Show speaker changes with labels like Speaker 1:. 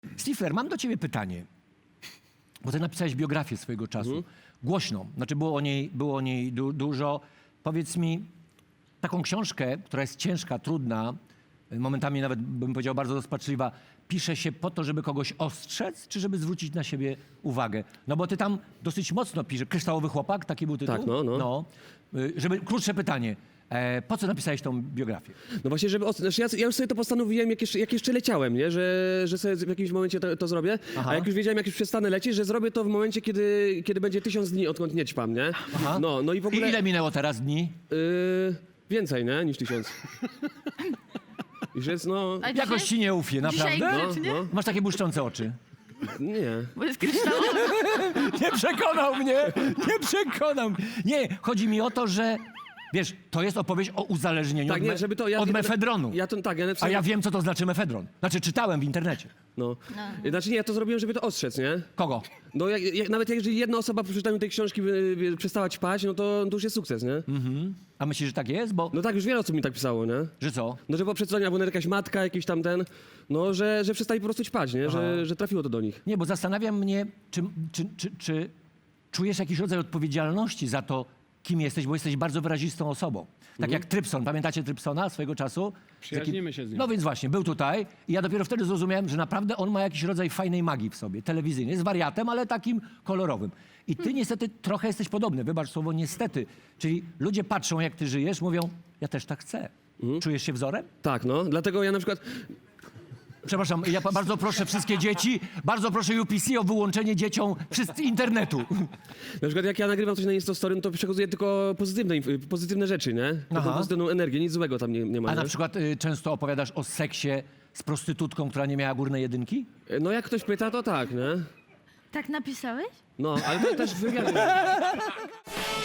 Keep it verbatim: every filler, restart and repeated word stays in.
Speaker 1: Stifler, mam do ciebie pytanie. Bo ty napisałeś biografię swojego czasu.
Speaker 2: Mhm.
Speaker 1: Głośną. Znaczy było o niej, było o niej du dużo. Powiedz mi, taką książkę, która jest ciężka, trudna, momentami nawet bym powiedział bardzo rozpaczliwa, pisze się po to, żeby kogoś ostrzec, czy żeby zwrócić na siebie uwagę? No bo ty tam dosyć mocno piszesz. Kryształowy chłopak, taki był tytuł?
Speaker 2: Tak, no, no.
Speaker 1: no. Y, Żeby, krótsze pytanie. E, po co napisałeś tą biografię?
Speaker 2: No właśnie, żeby... os- Znaczy ja, ja już sobie to postanowiłem, jak jeszcze, jak jeszcze leciałem, nie? Że, że sobie w jakimś momencie to, to zrobię.
Speaker 1: Aha.
Speaker 2: A jak już wiedziałem, jak już przestanę lecieć, że zrobię to w momencie, kiedy, kiedy będzie tysiąc dni, odkąd nie ćpam, nie?
Speaker 1: Aha.
Speaker 2: No, no i w ogóle...
Speaker 1: I ile minęło teraz dni?
Speaker 2: Yy, więcej, nie? Niż tysiąc. Już jest, no...
Speaker 3: A
Speaker 1: Jakoś ci nie ufię,
Speaker 3: Dzisiaj
Speaker 1: naprawdę?
Speaker 2: No,
Speaker 3: grzecznie?
Speaker 2: no.
Speaker 1: Masz takie błyszczące oczy.
Speaker 2: Nie.
Speaker 3: Bo jest kryształowy.
Speaker 1: Nie przekonał mnie! Nie przekonał mnie! Nie, chodzi mi o to, że wiesz, to jest opowieść o uzależnieniu
Speaker 2: Tak,
Speaker 1: od,
Speaker 2: nie,
Speaker 1: me
Speaker 2: żeby to... Ja,
Speaker 1: od
Speaker 2: ja,
Speaker 1: mefedronu.
Speaker 2: Ja to, tak, ja
Speaker 1: A
Speaker 2: napisałem...
Speaker 1: ja wiem, co to znaczy mefedron. Znaczy, czytałem w internecie.
Speaker 2: No. Znaczy nie, ja to zrobiłem, żeby to ostrzec, nie?
Speaker 1: Kogo?
Speaker 2: No jak, jak, nawet jeżeli jedna osoba po przeczytaniu tej książki by, by przestała ćpać, no to, to już jest sukces, nie?
Speaker 1: Mhm. A myślisz, że tak jest? Bo,
Speaker 2: No tak, już wiele osób mi tak pisało, nie?
Speaker 1: że co?
Speaker 2: No, że po przeczytaniu, albo jakaś matka, jakiś tam ten, no, że, że przestali po prostu ćpać, nie? Że, że trafiło to do nich.
Speaker 1: Nie, bo zastanawiam mnie, czy, czy, czy, czy czujesz jakiś rodzaj odpowiedzialności za to, kim jesteś, bo jesteś bardzo wyrazistą osobą. Tak jak Trypson. Pamiętacie Trypsona swojego czasu?
Speaker 4: Przyjaźnimy się z nim.
Speaker 1: No więc właśnie, był tutaj i ja dopiero wtedy zrozumiałem, że naprawdę on ma jakiś rodzaj fajnej magii w sobie, telewizyjnej. Jest wariatem, ale takim kolorowym. I ty niestety trochę jesteś podobny, wybacz słowo niestety. Czyli ludzie patrzą, jak ty żyjesz, mówią, ja też tak chcę. Czujesz się wzorem?
Speaker 2: Tak, no. Dlatego ja na przykład...
Speaker 1: Przepraszam, ja pa- bardzo proszę wszystkie dzieci, bardzo proszę U P C o wyłączenie dzieciom wszyscy internetu.
Speaker 2: Na przykład jak ja nagrywam coś na Instastory, no to przekazuję tylko pozytywne, inf- pozytywne rzeczy, nie? Taką
Speaker 1: Aha.
Speaker 2: pozytywną energię, nic złego tam nie, nie ma,
Speaker 1: A na
Speaker 2: nie?
Speaker 1: przykład y, często opowiadasz o seksie z prostytutką, która nie miała górnej jedynki?
Speaker 2: No jak ktoś pyta, to tak, nie?
Speaker 3: Tak napisałeś?
Speaker 2: No, ale to też w wywiadzie.